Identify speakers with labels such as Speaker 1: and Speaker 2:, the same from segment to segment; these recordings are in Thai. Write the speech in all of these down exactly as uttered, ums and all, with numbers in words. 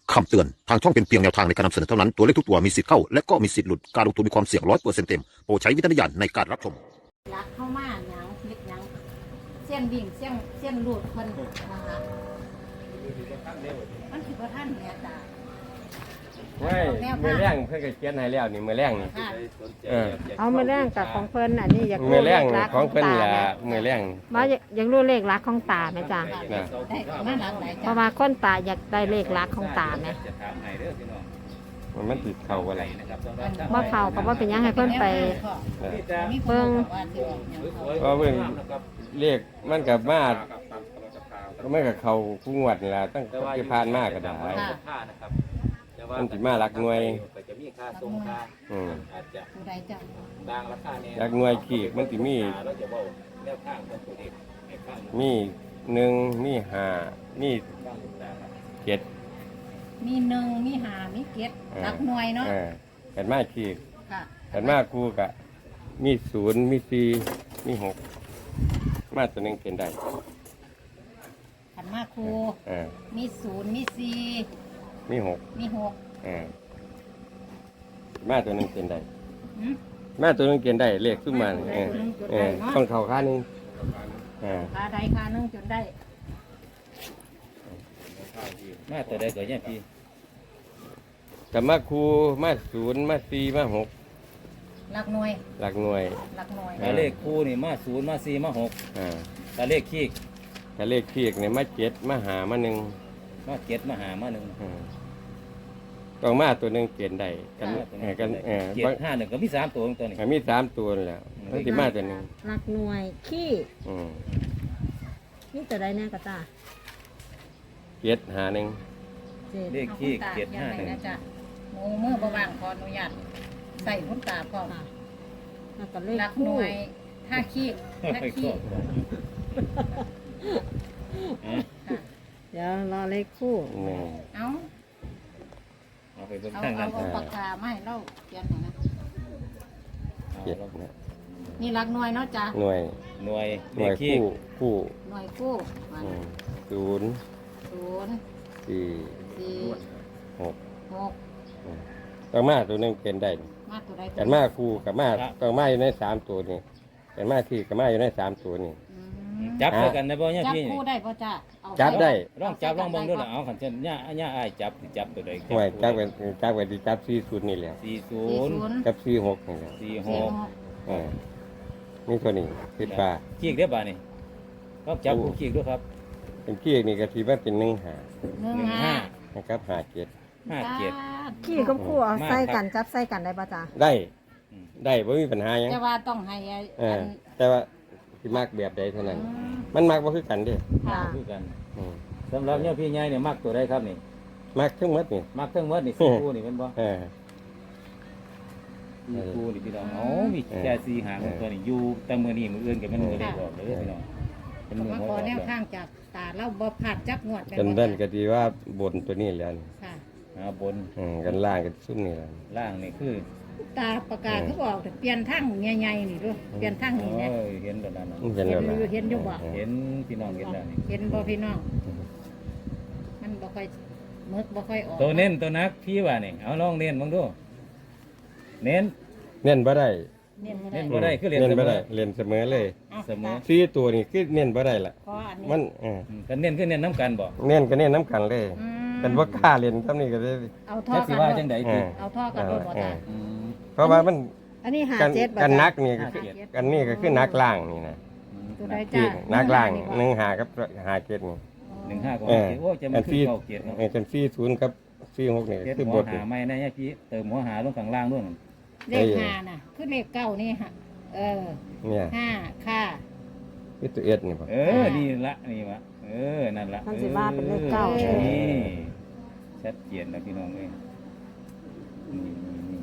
Speaker 1: คำเตือนทางช่องเป็นเพียงแนวทางในการนำเสนอเท่านั้นตัวเลขทุกตัวมีสิทธิ์เข้าและก็มีสิทธิ์หลุดการลงทุนมีความเสี่ยงร้อยเปอร์เซ็นต์เต็มโปรดใช้วิจารณญาณในการรับชม
Speaker 2: รักเข้ามาหยังพลิกหยังเส้นบิ่งเส้นเส้นรูดเพิ่นนะคะมันคือพระท่านแม่ตา
Speaker 3: ไว้มือแรงเพื่อนก็เขียนให้แล้วนี่มือแรงนี่
Speaker 2: ค่ะ
Speaker 3: เออ
Speaker 4: เอามาแรงกับของเพิ่นอันนี้อยาก
Speaker 3: มื
Speaker 4: รู้
Speaker 3: อแร
Speaker 4: เล
Speaker 3: ง
Speaker 4: ขลัก
Speaker 3: ของเพิ่น
Speaker 4: ตา
Speaker 3: ล่ะ
Speaker 4: ไหม
Speaker 3: มือแรง
Speaker 4: ว่าอยากรู้เลขลักของตาไหมจ๊ะ
Speaker 3: นะ
Speaker 2: ได้มาหลังไหน
Speaker 4: เพ
Speaker 2: จ้ะ
Speaker 4: ราะว่าคนตาอยากได้เลขลักของตาไหม
Speaker 3: มันมันติดเข่าอะไร
Speaker 4: ว่าเขาก็ว่าเป็นหยังให้เพิ่นไป
Speaker 2: มีเพิ่งว่าสิออกหยัง
Speaker 3: เพราะเพิ่นเรียกมันกับมาก็ไม่กับเขาคู่งวดนี่ล่ะตั้งที่ผ่านมาก็ได้
Speaker 2: ค่ะ
Speaker 3: มันสิมารักหน่วย
Speaker 5: จะมีค่าทรงค่า
Speaker 3: อืม
Speaker 5: อาจจะ
Speaker 2: ผู้ใดจ้ะ
Speaker 5: บางราคาเนี่ย
Speaker 3: รักหน่วยขีกมันสิมี
Speaker 5: เราจะบอกแนวข้างของตัวเองในข้าง
Speaker 3: มีหนึ่งมีห้ามี
Speaker 5: ข้างต่าง
Speaker 3: เจ็ด
Speaker 2: มีหนึ่งมีห้ามีเจ็ดรักหน่วยเนาะ
Speaker 3: เออกันมาขีก
Speaker 2: ค่ะ
Speaker 3: กันมาคู่กะมีศูนย์มีสี่มีหกมาตัวหนึงเป็นได้
Speaker 2: ขันมาครู
Speaker 3: เออ
Speaker 2: มีศูนย์มีสี่
Speaker 3: มีหก
Speaker 2: มีหก
Speaker 3: เออมาตัวหนึงเป็นได้
Speaker 2: หืม
Speaker 3: มาตัวหนึงเป็นได้เลขขึ้นมานี่เออเออต้องเข่าข้างหนึงเออ
Speaker 2: คาใดคาหนึงจนได้
Speaker 5: มาตัวใดก็ยังพี่
Speaker 3: กับมาคู่มาศูนย์มาสี่มาหก
Speaker 2: รักหน่วย
Speaker 3: หลักหน่วย
Speaker 2: รักหน่วย
Speaker 5: ถ้าเลขคู่นี่มาศูนย์มาสี่มาหก
Speaker 3: อ่า
Speaker 5: ถ้าเลขขี้
Speaker 3: ถ้าเลขขีกเนี่ยมาเจ็ดมาหามาหนึ่ง
Speaker 5: มาเจ็ดมาหามาหนึ่ง
Speaker 3: เออต้องมาตัวหนึงเปลี่ยนได้กันเออกันเออ
Speaker 5: เจ็ด
Speaker 3: บาง
Speaker 5: ห้าหนึ่งก็มีสามตัวตัวนี้
Speaker 3: มีสามตัวนั่นแหล้วมันสิมาตัวหนึง
Speaker 4: ลักหน่วยขี้
Speaker 3: อืม
Speaker 4: นี่ตัวใดแน่กะตา
Speaker 3: เจ็ดหาหนึ่ง
Speaker 4: เจ็ด
Speaker 5: เลขขี้เจ็ดห้าหนึ่ง
Speaker 2: นะจ๊ะหมูเมื่อบ่ว่างขออนุญาตใส่คุณตาพร้อม
Speaker 4: ค่ะแล้วก็เลข
Speaker 2: รักห
Speaker 4: คู่
Speaker 2: น่วยถ้าขี้ถ้าขี้ค่ะ
Speaker 4: เดี๋ยวรอเลขคู่
Speaker 3: หนึ่ง
Speaker 2: เอา
Speaker 5: เอาไปเบิ่ง
Speaker 2: เอา
Speaker 5: ข้าง
Speaker 2: เอา
Speaker 5: กัน
Speaker 2: เอาปากกามาให้เราเขียนหน่อยนะ
Speaker 3: เจ็ดนะ
Speaker 2: นี่รักหน่วยเนาะจ๊ะ
Speaker 3: หน่วย
Speaker 5: หน่วย
Speaker 3: ห
Speaker 5: เล
Speaker 3: น่ว
Speaker 5: ข
Speaker 3: ย
Speaker 5: ขี้
Speaker 3: คู่คู่
Speaker 2: หน่วยกู้มา
Speaker 3: อืมศูนย์
Speaker 2: ศูนย์
Speaker 3: สี่
Speaker 2: สี่
Speaker 3: หก
Speaker 2: หก
Speaker 3: อืมต้องมาตัวหนึงเป็นได้
Speaker 2: มาตัวใด
Speaker 3: กันมาคู่กับมาต้องมาอยู่ในสามตัวนี่กันมาที่กับมาอยู่ในสามตัวนี่
Speaker 2: อืม
Speaker 5: จับด้วยกันได้บ่เนี่ย
Speaker 2: จับ
Speaker 5: พี่
Speaker 2: คู่ได้ป่ะจ๊ะเอา
Speaker 3: จับได้
Speaker 5: ลองจับลองเบิ่งดูล่ะเอาขันเช่นย่าย่าอ้ายจับจับตัวใด
Speaker 3: หน่วยจับกันจับกันที่จับสี่ศูนย์นี่แหละ
Speaker 5: สี่ศู
Speaker 2: สี่
Speaker 5: นย์
Speaker 2: ศูนย์
Speaker 3: จับสี่หกนี่แหละ
Speaker 5: สี่ห
Speaker 2: สี่
Speaker 5: ก
Speaker 2: หก
Speaker 3: เออนี่ตัวนี้คิดว่า
Speaker 5: ขี้ได้บ่านี่ก็จับคู่ขี้ด้วยครับ
Speaker 3: เป็นกี้นี่ก็ที่ว่าเป็นหนึ่งหา
Speaker 2: หนึ่ง
Speaker 5: หนึ่ง
Speaker 2: ห้า
Speaker 5: ห้า
Speaker 3: นะครับหาเจ็ด
Speaker 5: ห้าเจ็ด
Speaker 4: ขี้กับคู่เอาใส่กันจับใส่กันได้ป่ะจ๊ะ
Speaker 3: ได้
Speaker 5: อืม
Speaker 3: ได้ไม่มีปัญหาหยัง
Speaker 2: จะว่าต้องให้ไอ้
Speaker 3: เอ
Speaker 2: อั
Speaker 3: อน แต่ว่าที่มากแบบใดเท่านั้น
Speaker 2: อืม
Speaker 3: มันมากว่าคือกันเด้
Speaker 2: ค่ะ
Speaker 5: คือกัน
Speaker 3: อืม
Speaker 5: สำหรับเนี่ยพี่ใหญ่เนี่ยมักตัวใดครับนี่
Speaker 3: มากทั้งหมดนี่
Speaker 5: มักทั้งหมดนี่สี่คู่นี่เป็นบ่
Speaker 3: เออ
Speaker 5: สี่คู่นี่พี่น้องอ๋อมี
Speaker 3: เออ
Speaker 5: แค่สี่หางตัวนี่อยู่แต่มื้อนี้มื้ออื่นก็มันมื้อได้บอกเลยพี่น้องเป็น
Speaker 2: ก็
Speaker 5: มื้อ
Speaker 2: มา
Speaker 5: หัว
Speaker 2: ขอ
Speaker 5: ออก
Speaker 2: แนว
Speaker 5: แล้ว
Speaker 2: ทางจากตาเราบ่ผาดจักงวด
Speaker 3: กันเบิ้นก็ดีว่าบนตัวนี้แหล้ว
Speaker 2: ค่ะ
Speaker 5: อ่าบน
Speaker 3: อืมกันล่างกันซุ่มนี่แหละ
Speaker 5: ล่างนี่คือ
Speaker 2: ตาประกาศเขาบอกแต่เปลี่ยนทางใหญ่ๆนี่ด้วยเปลี่ยนทาง
Speaker 5: โอ้
Speaker 2: นี่เนี่ย
Speaker 5: ยเห็นแล้วนั่นน่ะ
Speaker 3: เห็นแล้วล่ะ
Speaker 2: เห็นอยู่บ่
Speaker 5: เห็นพี่น้องเห็นแล้วนี่
Speaker 2: เห็นบ่พี่น้อง มันบ่ค่อยมึกบ่ค่อยออก
Speaker 5: ตัวเน้นตัวนักพี่ว่านี่เอาลองเน้นบ้างดูเน้น
Speaker 3: เน้นบ่ได้
Speaker 2: เน้นบ่
Speaker 5: เน้
Speaker 2: ได้
Speaker 5: น บ่ได้คือเรียน
Speaker 3: เน้นบ่
Speaker 5: เสมอ
Speaker 3: ได้เรียนเสมอเลย
Speaker 2: เอา
Speaker 5: เสมอ
Speaker 3: สี่ตัวนี่คือเน้นบ่ได้ล่ะ
Speaker 2: ขออันนี้
Speaker 3: มันเออ
Speaker 5: อืมกันเน้นคือเน้นน้ำกันบ่
Speaker 3: เน้นก็เน้นน้ำกันเลย
Speaker 2: อืม
Speaker 3: กันบ่กล้าเรียนทำนี่ก็ได้
Speaker 2: เอาท่อ
Speaker 5: จักสิ
Speaker 2: กัน
Speaker 5: ว่า
Speaker 2: ด้วย
Speaker 5: จังได๋
Speaker 3: เอ
Speaker 5: พี่
Speaker 3: อ
Speaker 2: เอาท่อกันด้วยบ่ตา
Speaker 5: อืม
Speaker 3: เพราะว่ามัน
Speaker 4: อันนี้หา
Speaker 3: กัน
Speaker 4: เจ็ดบ่
Speaker 3: กัน
Speaker 4: จ๊ะ
Speaker 3: นักนี่ก็
Speaker 5: ห้า
Speaker 3: คือ
Speaker 5: เจ็ด
Speaker 3: กันนี่ก็คือนักล่างนี่นะ
Speaker 2: ตัวใด
Speaker 3: ที่
Speaker 2: จ้า
Speaker 3: นักล่าง
Speaker 2: ห
Speaker 3: หนึ่งหากับหาเจ็ดนี่
Speaker 5: หนึ่งห้าก็
Speaker 3: เออ
Speaker 5: โอ้จะ
Speaker 3: อั
Speaker 5: มาน ขึ้น
Speaker 3: ที่
Speaker 5: เก้าเกียรติเนาะ
Speaker 3: เออกันสี่ศูนย์กับสี่หกนี่
Speaker 5: เกียรติ
Speaker 3: คือ
Speaker 5: หั
Speaker 3: บ
Speaker 5: ว
Speaker 3: ท
Speaker 5: หาไม่นะเนี่ยพี่เติมหัวหาลงข้างล่างด้วยนั่น
Speaker 2: เลขห้าน่ะ คือเลขเก้านี่ฮะเออ
Speaker 3: เนี่ย
Speaker 2: ห้าค่ะ
Speaker 3: คือตัวเอ็ดนี่ป่ะ
Speaker 5: เออนี่ละนี่วะเออนั่นละ
Speaker 4: มันสิว่าเป็นเลขเก้า
Speaker 5: ออ
Speaker 4: ใช่ไหม
Speaker 5: นี่ชัดเจนนะพี่น้องเอ้ยนี่นี่นี่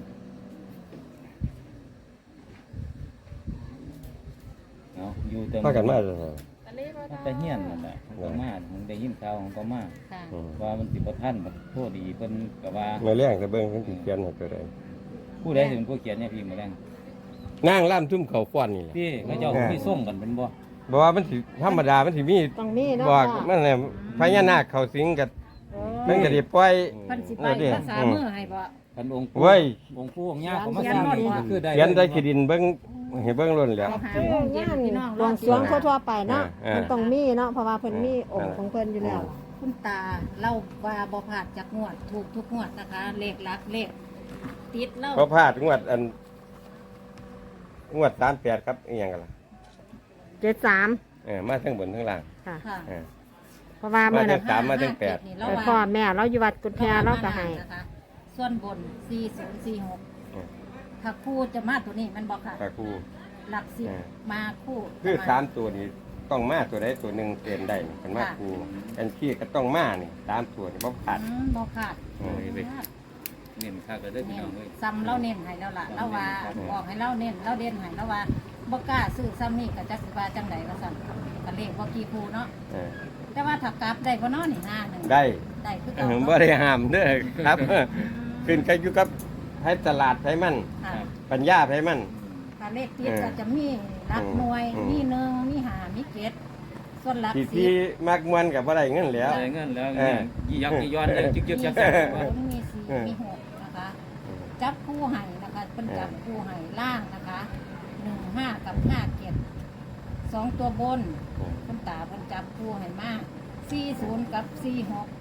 Speaker 5: เอาอยู่เติม
Speaker 3: พากันมาเลย
Speaker 5: มันจะเฮี้ยนนั่นแหละของก็มาของได้ยินข่าวของก็มา
Speaker 2: ค่ะ
Speaker 3: อืม
Speaker 5: ว่ามันสิบ่ทันมันโทษดีเพิ่นก็ว่า
Speaker 3: มาเลี้ยงกับเบิ้งขึ้นติเขียนให้ตัวใด
Speaker 5: ผู้ใดสิเป็นผู้เขียนเนี่ยพี่มื้อแรง
Speaker 3: นางล่ำทุ่มเขาฟ้อนนี่แหละ
Speaker 5: พี่เขาเจ้าพี่ส่งกันเป็นบ่
Speaker 3: บอกว่ามันสิธรรมดามันสิมี
Speaker 4: ต้องมีเนาะ
Speaker 3: บอก
Speaker 4: จ้ะ
Speaker 3: มันเนี่ยพญานาคเขาสิงกับ
Speaker 2: โอ้
Speaker 3: เพิ่นก็สิปล่อย
Speaker 2: เพิ่นสิไปภาษามือให้บ่
Speaker 5: คันองค์
Speaker 3: เว้ย
Speaker 5: องค์ปู่องค์ย่าเขามาสร้างนี่ก็คือได้
Speaker 3: เขียนใส่ขี้ดินเบิ่งให้เบิ่งล้นแล้ว
Speaker 2: เอาหา
Speaker 4: คือ
Speaker 2: โมง
Speaker 4: งา
Speaker 2: เย็น
Speaker 4: น
Speaker 2: พี่น้อง
Speaker 4: บวงสรวงทั่วๆไปเนาะ
Speaker 3: เออ
Speaker 4: มันต้องมีเนาะเพราะว่าเพิ่นมีองค์ของเพิ่นอยู่แล้ว
Speaker 2: คุณตาเล่าว่าบ่พลาดจากงวดถูกทุกงวดนะคะ เลขหลักเลขติดเล่า
Speaker 3: เพราะพลาดงวดอันงวดสามแปดครับอีหยังกันล่ะ
Speaker 4: เจ็ดสาม
Speaker 3: เออมาทั้งบนทั้งล่าง
Speaker 4: ค่ะ
Speaker 2: ค่ะ
Speaker 3: เออ
Speaker 4: เพราะว่าเมื่อ
Speaker 3: มา
Speaker 4: นั้น
Speaker 3: สามมาถึงแปด
Speaker 2: นี่
Speaker 4: ไป
Speaker 2: เรา
Speaker 4: พ่อ
Speaker 2: ว่า
Speaker 4: แม่เราอยู่วัดกุฎแพเราก็ให้
Speaker 2: นะคะส่วนบนสี่ศูนย์สี่หก
Speaker 3: เออ
Speaker 2: ถ้าคู่จะมาตัวนี้มันบอกค่ะ
Speaker 3: ตาคู
Speaker 2: หลักสิบ
Speaker 3: เออ
Speaker 2: มาคู่
Speaker 3: คือ
Speaker 2: ประณ
Speaker 3: สามตัวนี้ต้องมาตัวใดตัวหนึ่งเต็นได้นี่กันมา
Speaker 2: ค่ะ
Speaker 3: คูกันขี้ก็ต้องมานี่สามตัวนี่บ่ขาด
Speaker 2: อืมบ่ขาด
Speaker 3: เออ
Speaker 5: เน้นค่าก็ได้พี่
Speaker 2: เน้
Speaker 5: น้
Speaker 2: น
Speaker 5: องเอ้ย
Speaker 2: ซ้ำเล่าเน้นให้แล้วล่ะเล่าว่า
Speaker 3: ครับ
Speaker 2: บอกให้เล่าเน้นเล่าเด่นให้แล้วว่าบ่กล้าซื้อซ้ำนี่ก็จักสิว่าจังไดว่าซั่นก็เลขบ่กี่คู่เนาะ
Speaker 3: เออ
Speaker 2: แต่ว่าถ้ากลับได้บ่เนาะนี่ห้าหนึ่ง
Speaker 3: ได้
Speaker 2: ได้คือ
Speaker 3: เอ
Speaker 2: เก่า
Speaker 3: อ
Speaker 2: เนาะ
Speaker 3: บ่ได้ห้ามเด้อครับ ขึ้นก็อยู่กับให้ตลาดให้มัน
Speaker 2: ค่ะ
Speaker 3: ปัญญาให้มัน
Speaker 2: ถ้าเลขติดก็จะมีหลักหน่วย
Speaker 3: อืม
Speaker 2: มีหนึ่งมีห้ามีเจ็ดส่วนหลัก
Speaker 3: ที่
Speaker 2: สิ
Speaker 3: ที่
Speaker 2: บ
Speaker 3: มักมวนกับบ่ได้เงินแล้ว
Speaker 5: ได้เงินแล้ว
Speaker 3: เออ
Speaker 5: ยี่ยักยี่ย้อนยังจึกยึกยักยัก
Speaker 2: ศูนย์มีสี่มีหกนะคะ จับคู่ให้นะคะเป็นจับคู่ให้ล่างนะคะหนึ่งห้ากับห้าเจ็ดสองตัวบนคุณตาเพิ่นจับคู่ให้มากสี่ศูนย์กับสี่หก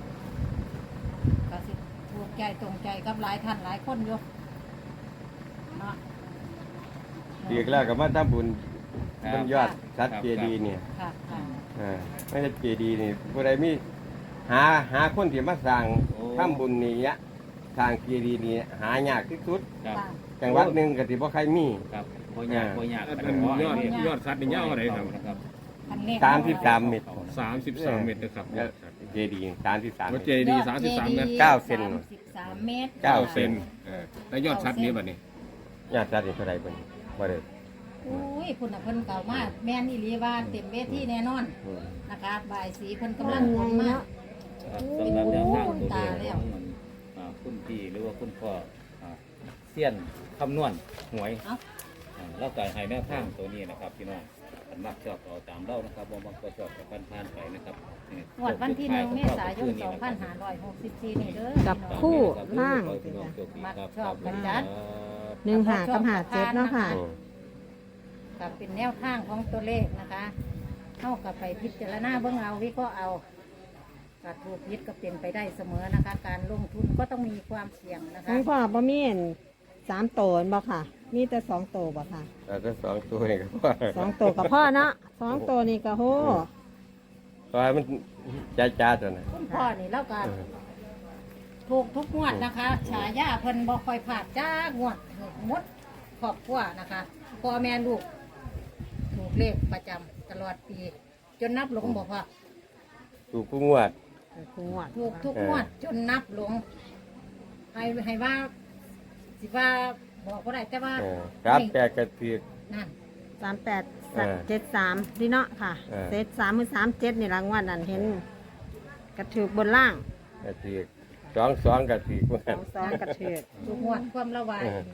Speaker 2: ก็สิถูกใจตรงใจกับหลายท่านหลายคนอยู่เนาะ
Speaker 3: อีกแล้วก็มาทำบุญบนยอดชัดเจดีย์เนี่ย
Speaker 2: ค่ะค่ะ
Speaker 3: เออไม่ใช่เจดีย์นี่ผู้ใดมีหาหาคนที่มาสร้างทำบุญนี่ยะสร้างเจดีย์นี่หายากที่สุด
Speaker 5: ครับ
Speaker 2: ค่ะ
Speaker 3: จังหวัดหนึ่งก็ที่บ่ใครมี
Speaker 5: ครับบ่ยากบ่ยาก
Speaker 6: อันนั้นยอดยอดสัตว์นี่ยาวอะไรครับ
Speaker 5: นะครับ
Speaker 2: อันเลข
Speaker 3: สามสิบสามเมตร
Speaker 6: สามสิบสามเมตรนะครับ
Speaker 3: เจดีย์สามสิบสามเม
Speaker 6: วัด
Speaker 3: ตร
Speaker 6: เจดีย์สามสิบสามเมตร
Speaker 3: เก้าเซน
Speaker 2: สามสิบสามเมตร
Speaker 3: เก้า
Speaker 6: เซนเออแล้วยอดสัตว์นี้บัดนี้
Speaker 3: ญาติจัดนี่เท่าไหร่บ่นี่บ่ได้
Speaker 2: อุ้ยพุ่นน่ะเพิ่นเก่ามากแม่นอีหลีว่าเต็มเวทีแน่นอน
Speaker 3: อืม
Speaker 2: นะคะบ่ายสีเพิ่นกำลังงงมาก
Speaker 5: ครับสำหรับแนวทาง
Speaker 2: โอ้
Speaker 5: ตัว
Speaker 2: ตา
Speaker 5: เล
Speaker 2: แล้
Speaker 5: ข
Speaker 2: ว
Speaker 5: ของอ่าคุณพี่หรือว่าคุณพ่ออ่าเซียนคำนวณหวย
Speaker 2: เอ้า
Speaker 5: อ่าแล้วก็ให้แนวทางตัวนี้นะครับพี่น้องอันมักชอบเอาตามเล่านะครับบ่มักก็ชอบกับพันผ่านไปนะครับนี่
Speaker 2: งวดวันที่หนึ่งเมษายนสองพันห้าร้อยหกสิบสี่นี่เด้อ
Speaker 4: จับคู่ล่าง
Speaker 5: พี่น้องโชคดีครับ
Speaker 2: ชอบกันจัด
Speaker 4: หนึ่งหากับหาเจ็ดเนาะค่ะ
Speaker 3: อืม
Speaker 2: กับเป็นแนวทางของตัวเลขนะคะเข้ากับไปพิจารณาเบิ่งเอาวิเคราะห์เอาการถูกยึดก็เป็นไปได้เสมอนะคะ การลงทุนก็ต้องมีความเสี่ยงนะคะ
Speaker 4: น้องพ่อบ่มีอันสามโตนบ่ค่ะ มีแต่สองโตบ่ค่ะ
Speaker 3: แล้วก็สองตัวนี่ก็พอ
Speaker 4: สองโตกับพ่อเนาะสองโตนี่ก็โห
Speaker 3: เพราะว่ามันจ้าจ้าตัวน่ะ
Speaker 2: คุณพ่อนี่แล้วก็
Speaker 3: เออ
Speaker 2: ถูกทุกงวดนะคะ ฉายาเพิ่นบ่ค่อยพลาดจ้างวดถูกหมดครอบครัวนะคะพ่อแม่ลูก ถูกเลขประจำตลอดปี จนนับหลงบ่พอ
Speaker 3: ถูกผู้งวด
Speaker 4: คู่งวด
Speaker 2: ถูกทุกงวดจนนับหลงให้ให้ว่า สิว่าบอกก็ได้แต่ว่า
Speaker 3: เออครับแต่กระถือ
Speaker 2: นั่น
Speaker 4: สามแปด
Speaker 3: เออ
Speaker 4: เจ็ดสามดีเนาะค่ะ
Speaker 3: เออ
Speaker 4: เซตสามมือสามเจ็ดนี่รางวัลนั่นเห็นกระถือบนล่าง
Speaker 3: กระถือสองสองกระถือผู้
Speaker 4: ส
Speaker 3: นั้
Speaker 4: อน งสองกระถือ
Speaker 2: ทุกงวดความระวาย
Speaker 3: เออ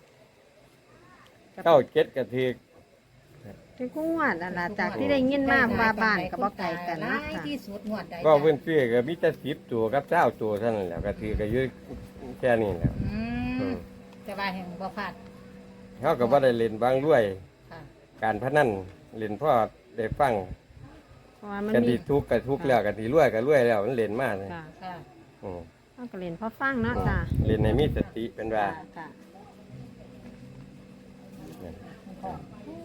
Speaker 3: เก้าเจ็ดกระถือ
Speaker 4: เป็นคู่งวดนั่นล่ะจากที่ได้ยินมาว่าบ้านกับบ่ไกลกัน
Speaker 2: ห
Speaker 4: เนาะ
Speaker 2: ลาย
Speaker 4: ค่ะ
Speaker 2: ที่สุดงวดใด
Speaker 3: ก็เพื่อนซื้อก็มีแต่สิบตัวกับเจ้าตัวเท่านั้นแหละกระถือก็อยืดแค่นี้แหละ
Speaker 2: อื
Speaker 3: อื
Speaker 2: ม
Speaker 3: ม
Speaker 2: แต่ว่าแห่งบ่พลาด
Speaker 3: เขาก็บ่ได้เล่นบางด้วย
Speaker 2: ค่ะ
Speaker 3: การพนันเล่นพ่อได้ฟัง
Speaker 4: เพราะว่ามัน
Speaker 3: กัน
Speaker 4: มี
Speaker 3: ที่ทุกข์ก็ทุกข์แล้วกันที่รวยก็รวยแล้วมันเล่นมากเลย
Speaker 4: ค่ะ
Speaker 2: ค่ะ
Speaker 3: อืม
Speaker 4: เอาก็เล่นพอฟังเนาะจ้ะ
Speaker 3: เล่นในมีสติเป็นว่า
Speaker 4: ค่ะ
Speaker 2: คุณพ่อ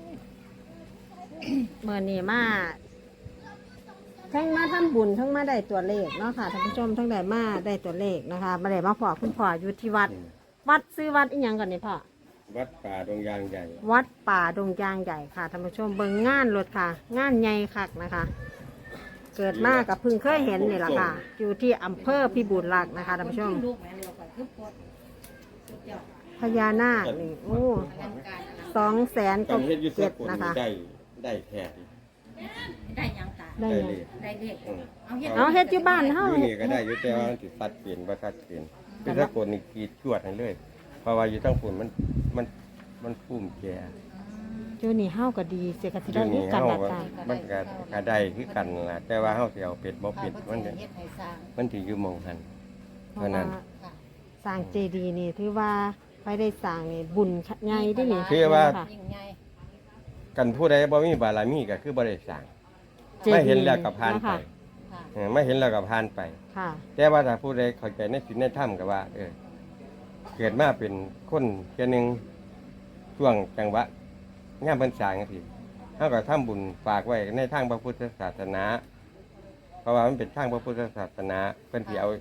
Speaker 4: เมื่อนี้มาทั้งมาทำบุญทั้งมาได้ตัวเลขเนาะค่ะท่านผู้ชมทั้งได้มาได้ตัวเลขนะคะมาได้มาพอคุณพ่ออยู่ที่วัด วัดซื้อวัดอีหยังก่อนนี่พ่อ
Speaker 3: วัดป่าดงยางใหญ่
Speaker 4: วัดป่าดงยางใหญ่ค่ะท่านผู้ชมเบิ่งงานรถค่ะ งานใหญ่คักนะคะ เกิดมากับเพึ่งเคยเห็นนี่แหละค่ะ อยู่ที่อำเภอพิบูลรักษ์นะคะท่านผู้ชม
Speaker 2: ลูกแม่เร็วกว่าคือปวดสุดยอด
Speaker 4: พญานาคนี่โอ้
Speaker 2: อลังการอลัง
Speaker 4: สองแสน
Speaker 3: ต้
Speaker 4: กั
Speaker 3: อบ งเฮ็ดอยุทธ
Speaker 4: เจ็ด
Speaker 3: กล
Speaker 4: นะคะ
Speaker 3: ได้ได้แท้
Speaker 2: ได้หยังตา
Speaker 4: ได้
Speaker 3: ได้
Speaker 4: ยัง
Speaker 3: เลย
Speaker 2: ได้เลข
Speaker 3: อืม
Speaker 2: เอาเฮ็ด
Speaker 4: เอาเฮ็ดอยู่บ้านเฮา
Speaker 3: อยู่นี่ก็ได้อยู่แต่ว่ามันสิสัดเปลี่ยนบ่สัดเปลี่ยนคือถ้ากลนี่กรีดจวดให้เลย เพราะว่าอยู่ทั้งฝุ่นมันมันมันฟุ่มแก่
Speaker 2: อืม
Speaker 4: อยู่นี่เฮาก็ดีเสียก็สิ
Speaker 3: อ
Speaker 4: ได้
Speaker 3: ยู่
Speaker 4: มี
Speaker 3: นี่
Speaker 4: กัน
Speaker 3: เฮา
Speaker 4: ละ
Speaker 3: ก็
Speaker 4: จ้ะ
Speaker 3: มันก็ก็ได้คือกันล่ะแต่ว่าเฮาสิเอาเป็ดบ่เป็ด
Speaker 2: ค่ะ
Speaker 3: มัน
Speaker 2: เพิ่
Speaker 3: จะ
Speaker 2: นสิเฮ็ดให้สร้าง
Speaker 3: มันสิอยู่หม่องหัน
Speaker 4: เพราะ
Speaker 3: เพราะนั้
Speaker 4: ว่าน
Speaker 2: ค่ะ
Speaker 4: สร้างเจดีย์นี่ถือว่าไปได้สร้างนี่บุญใหญ่เด้นี่
Speaker 3: คือว่า
Speaker 4: ค่ะ
Speaker 2: ยิ่งใหญ่
Speaker 3: กันผู้ใดบ่มีบารมีก็คือบ่ได้สร้าง
Speaker 4: จดีย์
Speaker 3: ไม่เห็นแล้วก็ผ่านไป
Speaker 4: นะคะ
Speaker 2: ค่ะ
Speaker 3: เออไม่เห็นแล้วก็ผ่านไป
Speaker 4: ค่ะ
Speaker 3: แต่ว่าถ้าผู้ใดเข้าใจในศีลในธรรมก็ว่า เออ เกิดมาเป็นคนแค่ยหนึงช่วงจังหวะงามพรรษาจังซี่เฮาก็ทำบุญฝากไว้ในทางพระพุทธศาสนา เพราะว่ามันเป็นทางพระพุทธศาสนาเพิ่นสิเอา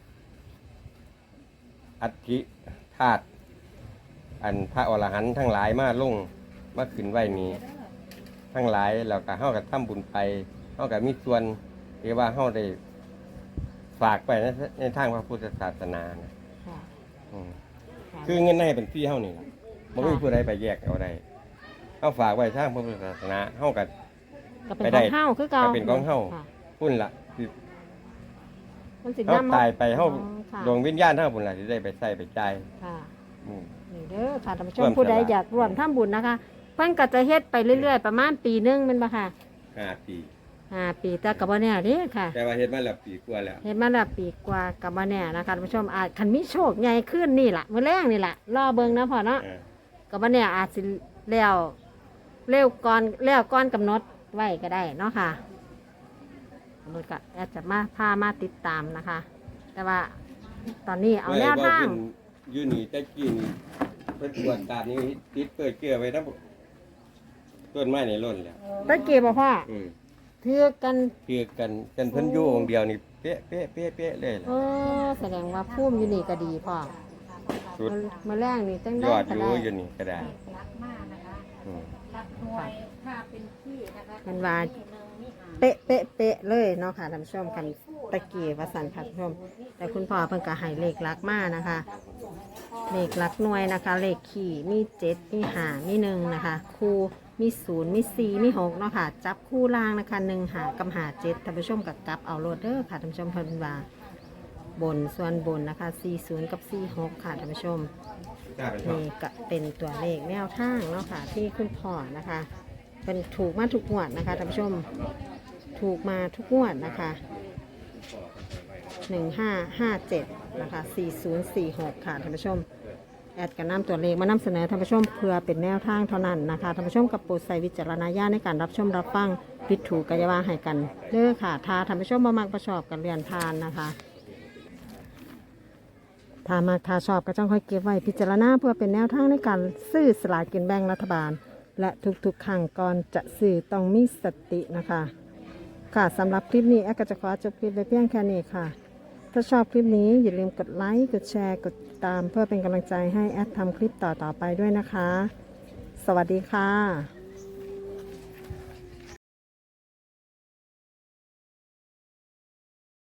Speaker 3: อัฐิธาตุอันพระอรหันต์ทั้งหลายมาลงมาขึ้นไว้นี้ทั้งหลายแล้วก็เฮาก็ทำบุญไปเฮาก็มีส่วนที่ว่าเฮาได้ฝากไปในในทางพระพุทธศาสนานะ
Speaker 4: ค่ะ
Speaker 3: อืม
Speaker 4: ค่ะ
Speaker 3: คือเงินในเป็นที่เฮานี่ล่ะบ่มีผู้ใดไปแยกเอาได้เฮาฝากไว้ทางพระพุทธศาสนาเฮาก็
Speaker 4: ก็เป็น
Speaker 3: ไป
Speaker 4: ข
Speaker 3: ได้
Speaker 4: องเฮาคือเก่า
Speaker 3: ก็เป็นของเฮา
Speaker 4: ค่ะ
Speaker 3: พุ่นล่ะคือ
Speaker 4: มันสิ
Speaker 3: เฮา
Speaker 4: นำ
Speaker 3: ตายไปเฮา
Speaker 4: อ๋อค่ะ
Speaker 3: ดวงวิญญาณเฮาพุ่นล่ะสิได้ไปใช้ไปจ่าย
Speaker 4: ค่ะ
Speaker 3: อืม
Speaker 4: นี่เด้อค่ะท่านผู้ช
Speaker 3: ร่
Speaker 4: ม
Speaker 3: วม
Speaker 4: ผู้ใด
Speaker 3: สละ
Speaker 4: อยากร่วมทำบุญนะคะ เพิ่นก็จะเฮ็ดไปเรื่อยๆ ประมาณปีหนึงแม่นบ่ค่ะ
Speaker 3: ห้าปี
Speaker 4: ห้าปีแต่ก็บ่แน่เด้ค่ะ
Speaker 3: แต่ว่าเฮ็ดมาแล้วปีกว่าแล้ว
Speaker 4: เฮ็ดมาแล้วปีกว่าก็บ่แน่นะคะท่านผู้ชมอาจคันมีโชคใหญ่ขึ้นนี่ล่ะมื้อแรงนี่ล่ะรอเบิ่งนะพ่อเนาะ
Speaker 3: เออ
Speaker 4: ก็บ่แน่อาจสิแล้วเร็วก่อนแล้วก่อนกำหนดไว้ก็ได้เนาะค่ะมันก็อาจจะมาพามาติดตามนะคะ แต่ว่าตอนนี้เอาแนวทาง
Speaker 3: เพิ่นอยู่นี่แต่กี้นี่เพิ่นตรวจตานี้ติดเปิดเกลือไว้ทั้งต้นไม้ในร่นแล้ว
Speaker 4: ตะเกียบบ่พ่อ
Speaker 3: อืม
Speaker 4: ถือกัน
Speaker 3: คือกันกันเพิ่นอยู่องค์เดียวนี่เป๊ะเป๊ะเป๊ะเป๊ะเลยล่ะ
Speaker 4: เออแสดงว่าพุ่มอยู่นี่ก็ดีพ่อ
Speaker 3: สุด
Speaker 4: มาแรงนี่จัง
Speaker 3: ย
Speaker 4: ได้
Speaker 3: อดอ
Speaker 4: ก็
Speaker 3: ยู่
Speaker 4: ได้
Speaker 3: อยู่นี่ก็ได้
Speaker 2: รักมากนะคะ
Speaker 3: อืม
Speaker 2: รักหน่วยถ้าเป็นที่นะคะ
Speaker 4: มันว่า
Speaker 2: ที่หนึ่งนี่หา
Speaker 4: เป๊ะเป๊ะเป๊ะเลยเนาะค่ะท่านผู้ชมคันตะเกียบวสันค่ะท่านผู้ชม แต่คุณพ่อเพิ่นก็ให้เลขลักมากนะคะ เลขลักหน่วยนะคะ เลขขี่มีเจ็ดมีหามีหนึ่งนะคะ คู่มีศูนย์มีสี่มีหกเนาะค่ะ จับคู่ล่างนะคะหนึ่งหากับหาเจ็ดท่านผู้ชมกับกลับเอาโรดเดอร์ค่ะท่านผู้ชมเพิ่นว่าบนส่วนบนนะคะสี่ศูนย์กับสี่หกค่ะท่านผู้ชม
Speaker 3: กล้าไปชอบ
Speaker 4: นี่ก็เป็นตัวเลขแนวทางเนาะค่ะ ที่คุณพ่อนะคะ เป็นถูกมาทุกงวดนะคะท่านผู้ชมถูกมาทุกงวดนะคะหนึ่งห้าห้าเจ็ดนะคะสี่ศูนย์สี่หกค่ะท่านผู้ชมแอดกันนำตัวเลขมานำเสนอท่านผู้ชมเพื่อเป็นแนวทางเท่านั้นนะคะท่านผู้ชมกับโปรดใส่วิจารณญาณในการรับชมรับฟังผิดถูกกายาวาให้กันเด้อค่ะถ้าท่านผู้ชมบ่มักประชอบกันเรียนทานนะคะถ้ามักถ้าชอบก็จ้องค่อยเก็บไว้พิจารณาเพื่อเป็นแนวทางในการซื้อสลากกินแบ่งรัฐบาล และทุกๆครั้งก่อนจะซื้อต้องมีสตินะคะ ค่ะสำหรับคลิปนี้แอดก็จะขอจบคลิปไปเพียงแค่นี้ค่ะ ถ้าชอบคลิปนี้อย่าลืมกดไลค์ กดแชร์ กดติดตามเพื่อเป็นกำลังใจให้แอดทำคลิปต่อๆไปด้วยนะคะ สวัสดีค่ะ